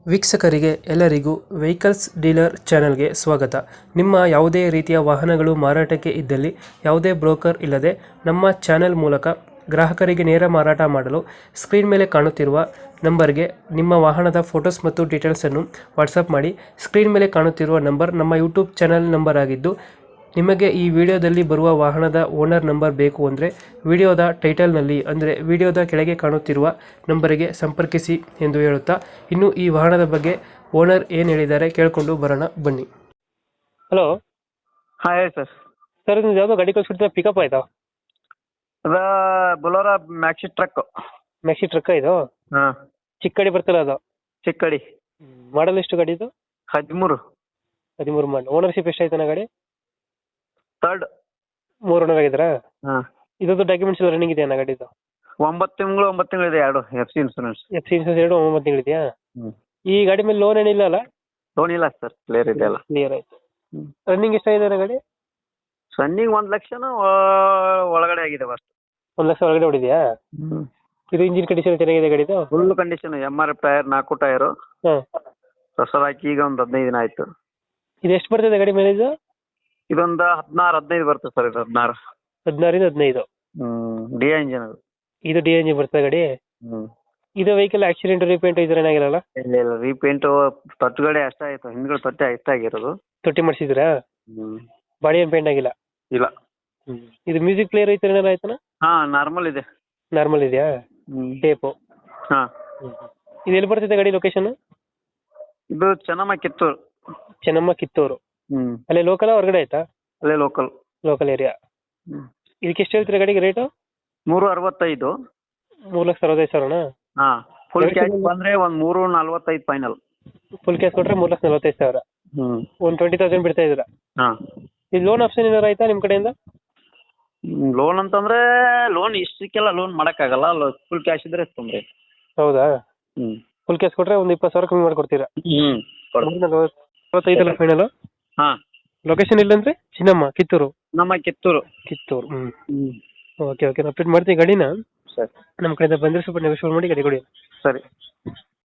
ವೀಕ್ಷಕರಿಗೆ ಎಲ್ಲರಿಗೂ vehicles dealer ಚಾನೆಲ್ಗೆ ಸ್ವಾಗತ. ನಿಮ್ಮ ಯಾವುದೇ ರೀತಿಯ ವಾಹನಗಳು ಮಾರಾಟಕ್ಕೆ ಇದ್ದಲ್ಲಿ ಯಾವುದೇ ಬ್ರೋಕರ್ ಇಲ್ಲದೆ ನಮ್ಮ ಚಾನೆಲ್ ಮೂಲಕ ಗ್ರಾಹಕರಿಗೆ ನೇರ ಮಾರಾಟ ಮಾಡಲು ಸ್ಕ್ರೀನ್ ಮೇಲೆ ಕಾಣುತ್ತಿರುವ ನಂಬರ್ಗೆ ನಿಮ್ಮ ವಾಹನದ ಫೋಟೋಸ್ ಮತ್ತು ಡೀಟೇಲ್ಸನ್ನು ವಾಟ್ಸಪ್ ಮಾಡಿ. ಸ್ಕ್ರೀನ್ ಮೇಲೆ ಕಾಣುತ್ತಿರುವ ನಂಬರ್ ನಮ್ಮ ಯೂಟ್ಯೂಬ್ ಚಾನೆಲ್ ನಂಬರ್ ಆಗಿದ್ದು, ನಿಮಗೆ ಈ ವಿಡಿಯೋದಲ್ಲಿ ಬರುವ ವಾಹನದ ಓನರ್ ನಂಬರ್ ಬೇಕು ಅಂದರೆ ವಿಡಿಯೋದ ಟೈಟಲ್ನಲ್ಲಿ ಅಂದರೆ ವಿಡಿಯೋದ ಕೆಳಗೆ ಕಾಣುತ್ತಿರುವ ನಂಬರಿಗೆ ಸಂಪರ್ಕಿಸಿ ಎಂದು ಹೇಳುತ್ತಾ, ಇನ್ನು ಈ ವಾಹನದ ಬಗ್ಗೆ ಓನರ್ ಏನು ಹೇಳಿದ್ದಾರೆ ಕೇಳಿಕೊಂಡು ಬರೋಣ ಬನ್ನಿ. ಹಲೋ ಹಾಂ ಹೇಳಿ ಸರ್. ಸರ್, ಇದು ಯಾವುದೋ ಗಾಡಿ ಕಳಿಸ್ಬಿಡ್ತೀರಾ? ಪಿಕಪ್ ಆಯ್ತಾ? ಅದ Bolero maxi truck. Maxi truck ಇದು? ಹಾಂ, ಚಿಕ್ಕ ಗಾಡಿ ಬರ್ತಲ್ಲ ಅದು? ಚಿಕ್ಕಡಿ. ಮಾಡಲ್ ಎಷ್ಟು ಗಾಡಿ ಇದು? 13. 13 ಮಾಡಲ್. ಓನರ್ಶಿಪ್ ಎಷ್ಟಾಯ್ತಾನ ಗಾಡಿ? ಥರ್ಡ್. 3 ಓನರ್ ಆಗಿದ್ದೀರಾ? ಹಾಂ, ಇದೊಂದು ಡಾಕ್ಯುಮೆಂಟ್ಸ್ ಎಲ್ಲ ರನ್ನಿಂಗ್ ಇದೆಯಾ ಗಾಡಿದು? 9 ತಿಂಗಳು ಇದೆ, ಎರಡು FC ಇನ್ಸೂರೆನ್ಸ್. FC ಇನ್ಸೂರೆನ್ಸ್ 9 ತಿಂಗಳಿದೆಯಾ? ಹ್ಞೂ. ಈ ಗಾಡಿ ಮೇಲೆ ಲೋನ್ ಏನಿಲ್ಲ ಅಲ್ಲ? ಲೋನ್ ಇಲ್ಲ ಸರ್, ಕ್ಲಿಯರ್ ಇದೆ ಅಲ್ಲ. ಕ್ಲಿಯರ್ ಆಯ್ತು. ಹ್ಞೂ. ರನ್ನಿಂಗ್ ಎಷ್ಟಾಗಿದೆ ಗಾಡಿ? ರನ್ನಿಂಗ್ 1 ಲಕ್ಷನೂ ಒಳಗಡೆ ಆಗಿದೆ ಫಸ್ಟ್. 1 ಲಕ್ಷ ಒಳಗಡೆ ಹೊಡಿದ್ಯಾ? ಹ್ಞೂ. ಇದು ಇಂಜಿನ್ ಕಂಡೀಷನ್ ಚೆನ್ನಾಗಿದೆ ಗಾಡಿದು? Full condition. MRF tyre, 4 tyre ಹಾಂ. ಹೊಸದು ಹಾಕಿ ಈಗ ಒಂದು 15 ದಿನ ಆಯಿತು. ಇದು ಎಷ್ಟು ಬರ್ತದೆ ಗಾಡಿ ಮೈಲೇಜ್? ಇದೊಂದು 16-15 ಬರ್ತದೆ ಸರ್. ಇದು 16. 16 ಇಂದ 15. ಹ್ಞೂ. ಡಿ ಇಂಜಿನ್ ಅದು. ಇದು ಡಿ ಎಂಜಿನ್ ಬರ್ತದೆ ಗಾಡಿ? ಹ್ಞೂ. ಇದು ವೆಹಿಕಲ್ ಆಕ್ಸಿಡೆಂಟ್ ರೀಪೇಂಟ್ ಇದ್ರೆ ಏನಾಗಿರಲ್ಲ? ಇಲ್ಲ ರೀಪೇಂಟು ತೊಟ್ಟುಗಡೆ ಅಷ್ಟೇ ಆಯಿತು, ಹಿಂದ್ಗಡೆ ತೊಟ್ಟೆ ಅಷ್ಟಾಗಿರೋದು. ತೊಟ್ಟಿ ಮಾಡಿಸಿದ್ರಾ? ಹ್ಞೂ. ಬಾಡಿ ಏನು ಪೇಂಟ್ ಆಗಿಲ್ಲ? ಇಲ್ಲ. ಇದು ಮ್ಯೂಸಿಕ್ ಪ್ಲೇಯರ್ ಐತೆ ಏನಾರ ಆಯ್ತಾನ? ಹಾಂ, ನಾರ್ಮಲ್ ಇದೆ. ನಾರ್ಮಲ್ ಇದೆಯಾ? ಟೇಪು? ಹಾಂ. ಇದು ಎಲ್ಲಿ ಬರ್ತಿದೆ ಗಾಡಿ ಲೊಕೇಶನ್? ಇದು ಚೆನ್ನಮ್ಮ, ಕಿತ್ತೂರು. ಚೆನ್ನಮ್ಮ, ಕಿತ್ತೂರು. ಅಲ್ಲೇ ಲೋಕಲ್ ಹೊರಗಡೆ ಆಯ್ತಾ? ಅಲ್ಲೇ ಲೋಕಲ್. Local area. ಇದಕ್ಕೆ ಎಷ್ಟು ಹೇಳ್ತೀರಾ ಗಾಡಿಗೆ ರೇಟು? 365. 3,65,000ನಾ? ಹಾಂ, ಫುಲ್ ಕ್ಯಾಶ್ ಬಂದರೆ ಒಂದು 345 ಫೈನಲ್. ಫುಲ್ ಕ್ಯಾಶ್ ಕೊಟ್ಟರೆ 3,45,000. ಒಂದು 20,000 ಬಿಡ್ತಾ ಇದ್ದೀರಾ? ಹಾಂ. ಇದು ಲೋನ್ ಆಪ್ಷನ್ ಏನಾರು ಆಯ್ತಾ ನಿಮ್ಮ ಕಡೆಯಿಂದ? ಲೋನ್ ಅಂತಂದರೆ ಲೋನ್ ಇಷ್ಟಕ್ಕೆಲ್ಲ ಲೋನ್ ಮಾಡೋಕ್ಕಾಗಲ್ಲ. ಫುಲ್ ಕ್ಯಾಶ್ ಇದ್ದರೆ ತೊಂದರೆ. ಹೌದಾ? ಹ್ಞೂ. ಫುಲ್ ಕ್ಯಾಶ್ ಕೊಟ್ಟರೆ ಒಂದು 20,000 ಕಮ್ಮಿ ಮಾಡಿಕೊಡ್ತೀರಾ? ಹ್ಞೂ. 45 ಫೈನಲ್. ಹಾಂ. ಲೊಕೇಶನ್ ಇಲ್ಲಂದ್ರೆ ಚಿನ್ನಮ್ಮ, ಕಿತ್ತೂರು. ನಮ್ಮ ಕಿತ್ತೂರು. ಕಿತ್ತೂರು. ಹ್ಞೂ. ಓಕೆ ಓಕೆ, ನಾನು ಅಪ್ಡೇಟ್ ಮಾಡ್ತೀನಿ ಗಾಡಿನ. ಸರಿ. ನಮ್ಮ ಕಡೆಯಿಂದ ಬಂದರೆ ಸ್ವಲ್ಪ ನೆಗೋಷಿಯೇಟ್ ಮಾಡಿ ಗಾಡಿ ಕೊಡಿ. ಸರಿ.